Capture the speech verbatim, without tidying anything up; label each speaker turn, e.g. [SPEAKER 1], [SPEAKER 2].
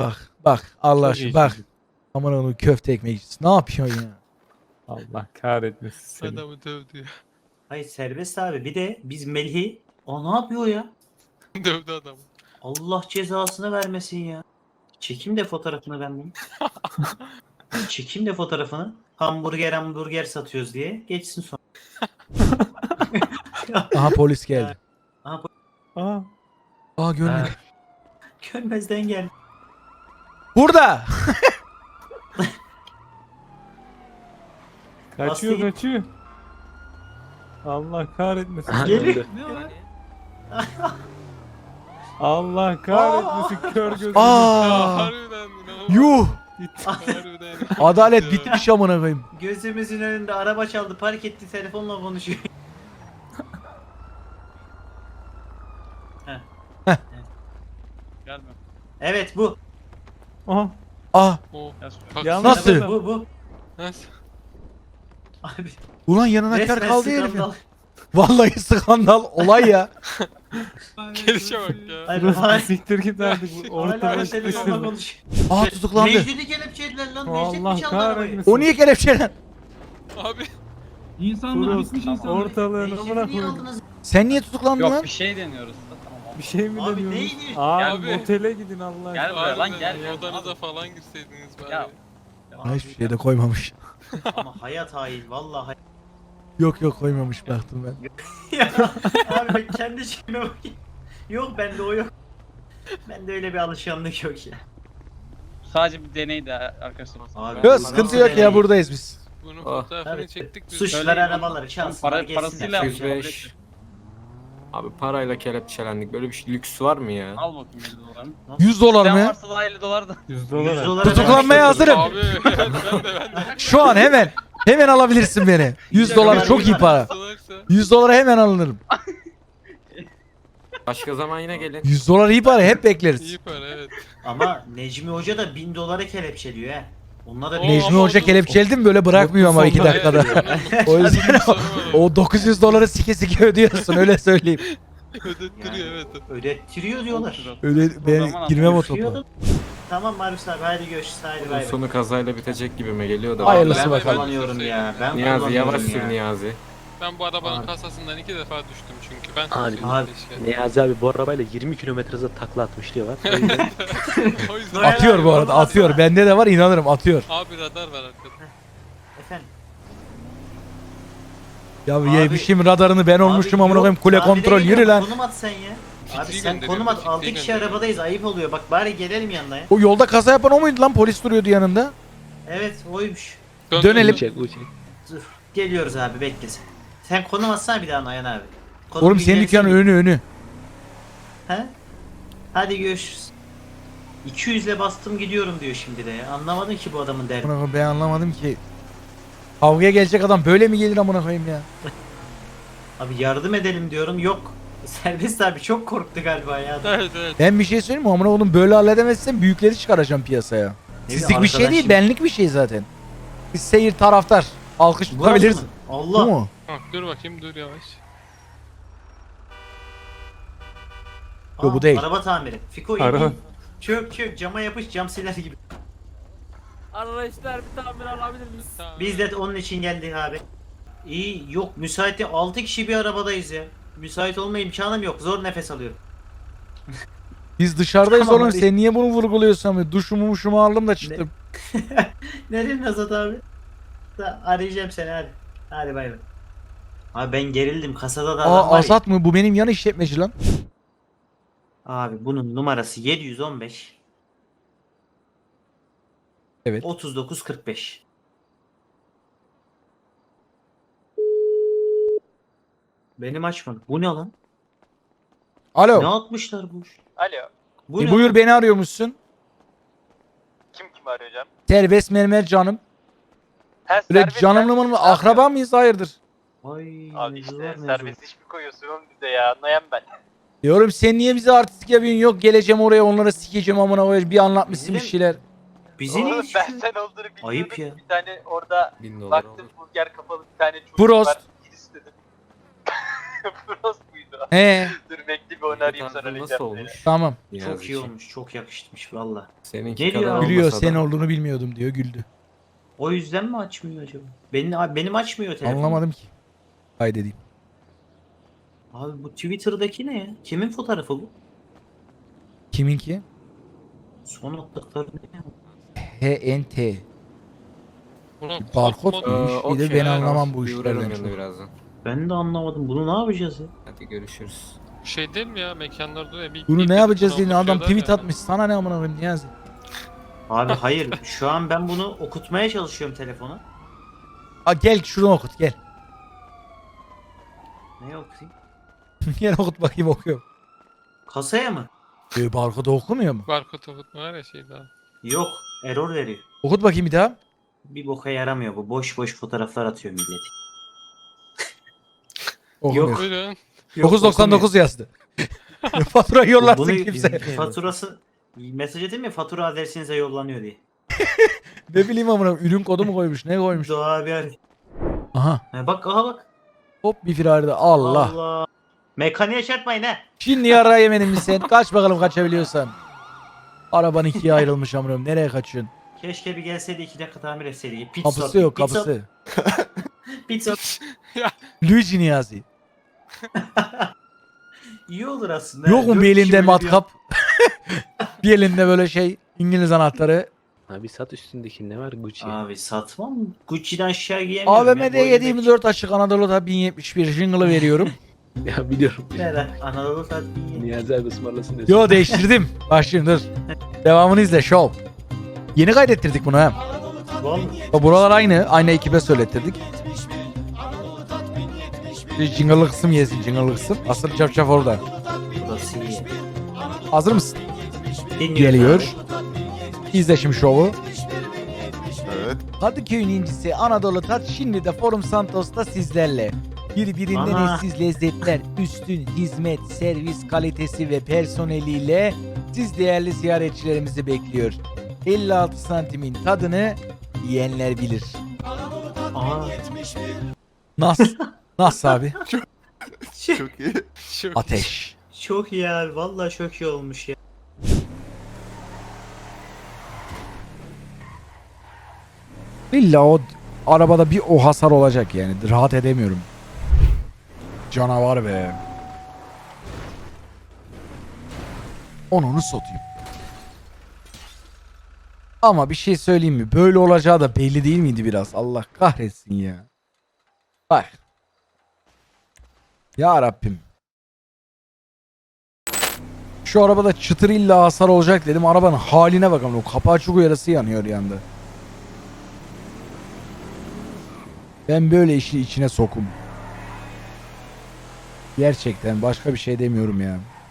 [SPEAKER 1] Bak bak Allah
[SPEAKER 2] Çok
[SPEAKER 1] aşkına
[SPEAKER 2] iyi
[SPEAKER 1] bak.
[SPEAKER 2] çocuk.
[SPEAKER 1] Aman onu köfte ekmekçisi. Ne yapıyorsun ya?
[SPEAKER 2] Allah kahretmesin seni.
[SPEAKER 3] Adamı dövdü ya.
[SPEAKER 4] Hayır serbest abi. Bir de biz Melih'i o ne yapıyor ya?
[SPEAKER 3] Dövdü adamı.
[SPEAKER 4] Allah cezasını vermesin ya. Çekim de fotoğrafını ben bunu. Çekim de fotoğrafını. Hamburger hamburger satıyoruz diye. Geçsin sonra.
[SPEAKER 1] Aha polis geldi.
[SPEAKER 4] Aha,
[SPEAKER 2] Aa,
[SPEAKER 1] Aa görmedim.
[SPEAKER 4] Ha. Görmezden gel.
[SPEAKER 1] Burada.
[SPEAKER 2] kaçıyor
[SPEAKER 4] Aslı-
[SPEAKER 2] kaçıyor. Allah kahretmesin.
[SPEAKER 4] Geliyor.
[SPEAKER 2] Allah kahretmesin kör gözünü.
[SPEAKER 3] Ya
[SPEAKER 1] Aa.
[SPEAKER 3] harbiden inanılmaz.
[SPEAKER 1] Yuh.
[SPEAKER 3] Harbiden.
[SPEAKER 1] Adalet
[SPEAKER 3] Ya.
[SPEAKER 1] bitmiş amına koyayım.
[SPEAKER 4] Gözümüzün önünde araba çaldı. Park etti. Telefonla konuşuyor.
[SPEAKER 5] Gelme.
[SPEAKER 4] Evet bu.
[SPEAKER 2] Aha.
[SPEAKER 1] Ah.
[SPEAKER 3] O.
[SPEAKER 5] Gel şuraya.
[SPEAKER 3] Bak,
[SPEAKER 2] Yalnız-
[SPEAKER 1] Nasıl?
[SPEAKER 4] Evet, bu bu.
[SPEAKER 3] Nasıl?
[SPEAKER 4] Abi.
[SPEAKER 1] Ulan yanına kar
[SPEAKER 4] Resmen
[SPEAKER 1] kaldı herifin.
[SPEAKER 4] skandal.
[SPEAKER 1] Vallahi skandal olay ya.
[SPEAKER 3] Gelişe bak ya.
[SPEAKER 4] Hayır,
[SPEAKER 2] Burası
[SPEAKER 4] hayır.
[SPEAKER 2] siktir git artık. Bu
[SPEAKER 4] Hala
[SPEAKER 2] ortada
[SPEAKER 4] telefonla
[SPEAKER 2] sıkıştırma.
[SPEAKER 4] konuşuyor.
[SPEAKER 1] Aa tutuklandı.
[SPEAKER 4] Necdet'i kelepçelediler lan. Necdet
[SPEAKER 2] Allah
[SPEAKER 4] mi çaldı arabayı?
[SPEAKER 2] kahretmesin.
[SPEAKER 1] O niye kelepçelen?
[SPEAKER 3] Abi.
[SPEAKER 6] İnsanlar
[SPEAKER 2] Burası
[SPEAKER 6] bitmiş insanlar.
[SPEAKER 2] ortalığın
[SPEAKER 4] Necdet'i
[SPEAKER 2] amına
[SPEAKER 4] niye
[SPEAKER 2] koydum.
[SPEAKER 4] aldınız?
[SPEAKER 1] Sen niye tutuklandın
[SPEAKER 5] Yok
[SPEAKER 1] lan?
[SPEAKER 5] bir şey deniyoruz. Tamam.
[SPEAKER 2] Bir şey mi
[SPEAKER 4] Abi
[SPEAKER 2] deniyorsun?
[SPEAKER 4] neydi?
[SPEAKER 2] Abi,
[SPEAKER 3] Abi.
[SPEAKER 2] otele gidin Allah
[SPEAKER 5] Gel
[SPEAKER 2] aşkına.
[SPEAKER 5] buraya lan,
[SPEAKER 3] Harbiden
[SPEAKER 5] gel.
[SPEAKER 3] Odanıza falan girseydiniz bari.
[SPEAKER 5] Ya.
[SPEAKER 1] Ha, hiçbir şey de koymamış.
[SPEAKER 4] Ama hayat hain vallahi hayat.
[SPEAKER 1] Yok yok koymamış baktım ben.
[SPEAKER 4] Ya abi ben kendi şeyime bakayım. Yok bende o yok. Bende öyle bir alışkanlık yok ya.
[SPEAKER 5] Sadece bir deneydi arkadaşlar.
[SPEAKER 4] Abi,
[SPEAKER 1] Yok sıkıntı yok ya buradayız biz.
[SPEAKER 3] Bunun
[SPEAKER 7] Oh.
[SPEAKER 3] fotoğrafını
[SPEAKER 4] Evet.
[SPEAKER 3] çektik biz.
[SPEAKER 4] Suçlar
[SPEAKER 5] Söyleyin,
[SPEAKER 4] arabaları
[SPEAKER 5] para-
[SPEAKER 4] çalsınlar geçsinler.
[SPEAKER 5] parasıyla-
[SPEAKER 7] yüz beş. Abi parayla kelepçelendik. Böyle bir şey lüks var mı ya?
[SPEAKER 5] Al bakayım yüz dolarını.
[SPEAKER 1] yüz dolar
[SPEAKER 5] Sen
[SPEAKER 1] mı?
[SPEAKER 5] varsa da elli dolar da.
[SPEAKER 2] yüz
[SPEAKER 4] yüz
[SPEAKER 2] dolar.
[SPEAKER 4] dolara
[SPEAKER 1] Tutuklanmaya
[SPEAKER 4] vermiş
[SPEAKER 1] hazırım.
[SPEAKER 3] Abi ben de ben de.
[SPEAKER 1] Şu an hemen. Hemen alabilirsin beni. yüz dolar çok iyi para.
[SPEAKER 3] Salaksa.
[SPEAKER 1] yüz dolara hemen alınırım.
[SPEAKER 7] Başka zaman yine gelin.
[SPEAKER 1] yüz dolar iyi para hep bekleriz.
[SPEAKER 3] İyi para evet.
[SPEAKER 4] Ama Necmi Hoca da bin dolara kelepçeliyor he. Onlar da
[SPEAKER 3] Oo,
[SPEAKER 4] bin-
[SPEAKER 1] Necmi
[SPEAKER 3] ama
[SPEAKER 1] Hoca
[SPEAKER 3] o-
[SPEAKER 1] kelepçeledi mi böyle bırakmıyor ama iki
[SPEAKER 7] sonunda-
[SPEAKER 1] dakikada. O yüzden o, o dokuz yüz doları sike sike ödüyorsun öyle söyleyeyim.
[SPEAKER 3] Ödettiriyor evet.
[SPEAKER 4] ödettiriyor diyorlar.
[SPEAKER 1] Öyle
[SPEAKER 5] O
[SPEAKER 1] ben
[SPEAKER 5] zaman
[SPEAKER 1] girmem o
[SPEAKER 4] Ödettiriyor
[SPEAKER 1] topa.
[SPEAKER 4] da- Tamam Marius abi haydi görüşürüz haydi bay
[SPEAKER 7] Bunun
[SPEAKER 4] bay.
[SPEAKER 7] sonu kazayla bitecek gibime geliyor da.
[SPEAKER 1] Hayırlısı
[SPEAKER 4] Ben
[SPEAKER 1] bakalım.
[SPEAKER 4] kullanıyorum ya. Ben
[SPEAKER 7] Niyazi
[SPEAKER 4] kullanıyorum
[SPEAKER 7] yavaş
[SPEAKER 4] ya.
[SPEAKER 7] sür Niyazi.
[SPEAKER 3] Ben bu arabanın
[SPEAKER 4] Abi.
[SPEAKER 3] kasasından iki defa düştüm çünkü. Ben
[SPEAKER 6] Abi,
[SPEAKER 3] sürüyorum
[SPEAKER 4] abi.
[SPEAKER 3] keşke.
[SPEAKER 6] Niyazi abi bu arabayla yirmi kilometre hızla takla atmış diyor var. O yüzden
[SPEAKER 3] O yüzden.
[SPEAKER 1] Atıyor bu arada atıyor. Bende de var inanırım atıyor.
[SPEAKER 3] Abi radar var arkada.
[SPEAKER 4] Efendim.
[SPEAKER 1] Ya
[SPEAKER 4] Abi-
[SPEAKER 1] yemişim radarını ben olmuşum
[SPEAKER 4] Abi
[SPEAKER 1] amına koyayım
[SPEAKER 4] yok,
[SPEAKER 1] kule
[SPEAKER 4] tamire
[SPEAKER 1] kontrol
[SPEAKER 4] geliyor,
[SPEAKER 1] yürü lan.
[SPEAKER 4] Konum at sen ya. Abi
[SPEAKER 3] Fikri
[SPEAKER 4] sen
[SPEAKER 3] gönderiyorum,
[SPEAKER 4] konum at.
[SPEAKER 3] fikri
[SPEAKER 4] altı kişi
[SPEAKER 3] gönderiyorum.
[SPEAKER 4] arabadayız ayıp oluyor. Bak bari gelelim yanına ya.
[SPEAKER 1] O yolda kaza yapan o muydu lan polis duruyordu yanında.
[SPEAKER 4] Evet oymuş.
[SPEAKER 3] Dön,
[SPEAKER 1] Dönelim.
[SPEAKER 3] dön,
[SPEAKER 6] çek bu çek.
[SPEAKER 4] Dur. Geliyoruz abi bekle sen. Sen konum atsana bir daha Nayan abi. Konum
[SPEAKER 1] Oğlum senin
[SPEAKER 4] bilgilerini
[SPEAKER 1] dükkanın önü önü.
[SPEAKER 4] He? Hadi görüşürüz. iki yüz ile bastım gidiyorum diyor şimdi de ya. Anlamadım ki bu adamın derdi.
[SPEAKER 1] Amına koyayım, ben anlamadım ki. Kavgaya gelecek adam böyle mi gelir amına koyayım ya?
[SPEAKER 4] Abi yardım edelim diyorum yok. Serbest abi çok korktu galiba ya.
[SPEAKER 3] Evet evet.
[SPEAKER 1] Ben bir şey söyleyeyim mi amına oğlum böyle halledemezsen büyükleri çıkaracağım piyasaya.
[SPEAKER 4] Ne
[SPEAKER 1] Sizlik
[SPEAKER 4] bileyim,
[SPEAKER 1] bir şey değil
[SPEAKER 4] arkadaşım-
[SPEAKER 1] benlik bir şey zaten. Biz seyir taraftar. Alkış
[SPEAKER 4] Burası
[SPEAKER 1] tutabiliriz.
[SPEAKER 4] mı?
[SPEAKER 1] Bu
[SPEAKER 4] Allah.
[SPEAKER 1] mu?
[SPEAKER 3] Bak dur bakayım dur yavaş.
[SPEAKER 1] Yok, bu değil.
[SPEAKER 4] Araba tamiri. Fiko iyi.
[SPEAKER 2] Araba.
[SPEAKER 4] iyi. Çök çök cama yapış cam siler gibi.
[SPEAKER 8] Arkadaşlar bir tamir alabilir miyiz?
[SPEAKER 3] Tamam.
[SPEAKER 4] Biz de onun için geldik abi. İyi yok müsait değil. altı kişi bir arabadayız ya. Müsait olma imkanım yok. Zor nefes alıyorum.
[SPEAKER 1] Biz dışarıdayız
[SPEAKER 4] Tamam,
[SPEAKER 1] oğlum
[SPEAKER 4] hadi.
[SPEAKER 1] sen niye bunu vurguluyorsun abi? Duşumu muşumu aldım da çıktım.
[SPEAKER 4] Nereye Nazat abi? Da, arayacağım seni hadi. Hadi bay bay. Abi ben gerildim kasada da adam
[SPEAKER 1] Aa
[SPEAKER 4] var ya.
[SPEAKER 1] Asat mı? Bu benim yan işletmeci lan.
[SPEAKER 4] Abi bunun numarası yedi yüz on beş.
[SPEAKER 1] Evet.
[SPEAKER 4] otuz dokuz kırk beş. Benim açmadım. Bu ne lan?
[SPEAKER 1] Alo.
[SPEAKER 4] Ne atmışlar bu?
[SPEAKER 5] Alo.
[SPEAKER 4] Bu
[SPEAKER 1] E,
[SPEAKER 4] ne?
[SPEAKER 1] buyur beni arıyormuşsun.
[SPEAKER 5] Kim kim arıyor hocam?
[SPEAKER 1] Serbest mermer canım. Böyle canımlı mı? Akraba mıyız? Hayırdır?
[SPEAKER 4] Ay,
[SPEAKER 5] Abi
[SPEAKER 4] mevzular
[SPEAKER 5] işte
[SPEAKER 4] mevzu.
[SPEAKER 5] serbest iş mi koyuyorsun oğlum bize ya? Anlayan ben.
[SPEAKER 1] Diyorum sen niye bize artistik yapıyorsun? Yok geleceğim oraya onlara sikeceğim amına koyayım. Bir anlatmışsın bir
[SPEAKER 4] Bizim-
[SPEAKER 1] şeyler.
[SPEAKER 4] Bizi ne
[SPEAKER 5] Oğlum
[SPEAKER 4] istiyor?
[SPEAKER 5] ben sen olduğunu bilmiyordum.
[SPEAKER 4] Ayıp ya.
[SPEAKER 5] Bir tane orada
[SPEAKER 7] Bin dolar
[SPEAKER 5] baktım
[SPEAKER 7] olur.
[SPEAKER 5] burger kapalı bir tane çocuk
[SPEAKER 1] Prost.
[SPEAKER 5] var. Gir istedim. Prost muydu?
[SPEAKER 1] He
[SPEAKER 5] Dur bekle bir onu arayayım sonra
[SPEAKER 7] Nasıl
[SPEAKER 5] arayacağım seni.
[SPEAKER 7] olmuş?
[SPEAKER 1] tamam.
[SPEAKER 7] Niyazi
[SPEAKER 4] Çok iyi
[SPEAKER 7] için.
[SPEAKER 4] olmuş. Çok yakışmış valla.
[SPEAKER 7] Seninki
[SPEAKER 4] Geliyor
[SPEAKER 7] kadar
[SPEAKER 4] abi.
[SPEAKER 1] Gülüyor
[SPEAKER 7] olmasa
[SPEAKER 1] sen
[SPEAKER 7] da.
[SPEAKER 1] olduğunu bilmiyordum diyor güldü.
[SPEAKER 4] O yüzden mi açmıyor acaba? Benim, benim açmıyor telefon.
[SPEAKER 1] Anlamadım ki. Kaydedeyim.
[SPEAKER 4] Abi bu Twitter'daki ne ya? Kimin fotoğrafı bu?
[SPEAKER 1] Kiminki?
[SPEAKER 4] Son attıkları ne ya?
[SPEAKER 1] H N T.
[SPEAKER 3] Buna
[SPEAKER 1] Barkod
[SPEAKER 3] kod
[SPEAKER 7] Ee,
[SPEAKER 3] mod-
[SPEAKER 1] muymuş? Bir de
[SPEAKER 7] okey,
[SPEAKER 1] ben anlamam bu
[SPEAKER 7] bir uğrarım
[SPEAKER 1] işlerden
[SPEAKER 7] yanına
[SPEAKER 1] çok.
[SPEAKER 7] birazdan.
[SPEAKER 4] Ben de anlamadım. Bunu ne yapacağız ya?
[SPEAKER 7] Hadi görüşürüz.
[SPEAKER 3] şey değil mi ya mekanlarda ya bir
[SPEAKER 1] Bunu
[SPEAKER 3] bir-
[SPEAKER 1] ne
[SPEAKER 3] bir
[SPEAKER 1] yapacağız
[SPEAKER 3] kutu
[SPEAKER 1] yine adam
[SPEAKER 3] anlatıyorlar
[SPEAKER 1] tweet
[SPEAKER 3] ya.
[SPEAKER 1] atmış. Sana ne amına koyayım Niyazi?
[SPEAKER 4] Abi hayır. Şu an ben bunu okutmaya çalışıyorum telefona.
[SPEAKER 1] Aa, gel şunu okut gel.
[SPEAKER 4] Ne okuyayım?
[SPEAKER 1] Gel okut bakayım okuyorum.
[SPEAKER 4] Kasaya mı?
[SPEAKER 1] Ee, barkodu okumuyor mu?
[SPEAKER 3] Barkod okutma var ya şey daha.
[SPEAKER 4] Yok. Error veriyor.
[SPEAKER 1] Okut bakayım bir daha.
[SPEAKER 4] Bir boka yaramıyor bu. Boş boş fotoğraflar atıyor millet.
[SPEAKER 1] Okumuyor.
[SPEAKER 3] Buyurun.
[SPEAKER 1] dokuz doksan dokuz yazdı. Fatura yollarsın
[SPEAKER 4] Bunu
[SPEAKER 1] kimse.
[SPEAKER 4] faturası mesaj edeyim mi? Fatura adresinize yollanıyor diye.
[SPEAKER 1] Ne bileyim amına ürün kodu mu koymuş ne koymuş.
[SPEAKER 4] Doğa abi arıyor.
[SPEAKER 1] Aha
[SPEAKER 4] Ha, bak aha bak.
[SPEAKER 1] hop bir firarda Allah.
[SPEAKER 4] Allah. Mekaniğe çarpmayın ha.
[SPEAKER 1] Şimdi yara yemedin mi sen? Kaç bakalım kaçabiliyorsan. Araban ikiye ayrılmış amınım. Nereye kaçıyorsun?
[SPEAKER 4] Keşke bir gelseydi iki dakika tamir etseydi. Pit
[SPEAKER 1] Kapısı
[SPEAKER 4] stop,
[SPEAKER 1] yok
[SPEAKER 4] pit stop,
[SPEAKER 1] kapısı.
[SPEAKER 4] Pit stop.
[SPEAKER 1] Luigi Niyazi.
[SPEAKER 4] İyi olur aslında.
[SPEAKER 1] Yok mu
[SPEAKER 4] Dört
[SPEAKER 1] bir
[SPEAKER 4] kişi
[SPEAKER 1] elinde
[SPEAKER 4] böyle bir-
[SPEAKER 1] matkap? Bir elinde böyle şey İngiliz anahtarı.
[SPEAKER 6] Abi sat üstündeki ne var Gucci?
[SPEAKER 4] Abi satmam. Gucci'den aşağı giyemiyorum.
[SPEAKER 1] A V M'de
[SPEAKER 4] ya,
[SPEAKER 1] yedi
[SPEAKER 4] boynum
[SPEAKER 1] yirmi dört açık Anadolu'da bin yetmiş bir jingle'ı veriyorum.
[SPEAKER 6] Ya biliyorum.
[SPEAKER 4] ek- Neden? Anadolu saat
[SPEAKER 6] Niyazi abi ısmarlasın desin.
[SPEAKER 1] Yo değiştirdim. Başlayayım dur. Devamını izle show. Yeni kaydettirdik bunu hem.
[SPEAKER 4] Vallahi.
[SPEAKER 1] Bak buralar aynı. Aynı ekibe söylettirdik. Bir jingle'lı kısım yesin jingle'lı kısım. Asıl çarşaf orada.
[SPEAKER 4] Burası iyi.
[SPEAKER 1] Hazır mısın?
[SPEAKER 4] Dinliyorum
[SPEAKER 1] Geliyor.
[SPEAKER 4] abi.
[SPEAKER 1] İzle şimdi şovu.
[SPEAKER 9] Evet.
[SPEAKER 1] Kadıköy'ün incisi Anadolu Tat şimdi de Forum Santos'ta sizlerle. Birbirinden
[SPEAKER 4] Aha.
[SPEAKER 1] eşsiz lezzetler, üstün hizmet, servis kalitesi ve personeliyle siz değerli ziyaretçilerimizi bekliyor. elli altı santimin tadını yiyenler bilir.
[SPEAKER 4] Aa,
[SPEAKER 1] Nasıl? Nasıl abi?
[SPEAKER 9] Çok iyi.
[SPEAKER 3] Çok
[SPEAKER 1] Ateş.
[SPEAKER 4] çok iyi abi. Vallahi çok iyi olmuş ya.
[SPEAKER 1] İlla o arabada bir o hasar olacak yani. Rahat edemiyorum. Canavar be. Onu satayım. Ama bir şey söyleyeyim mi? Böyle olacağı da belli değil miydi biraz? Allah kahretsin ya. Bak. Ya Rabbim. Şu arabada çıtır illa hasar olacak dedim. Arabanın haline bakalım. O kapağı çok uyarısı yanıyor yanda. Ben böyle işi içine sokum. Gerçekten başka bir şey demiyorum ya.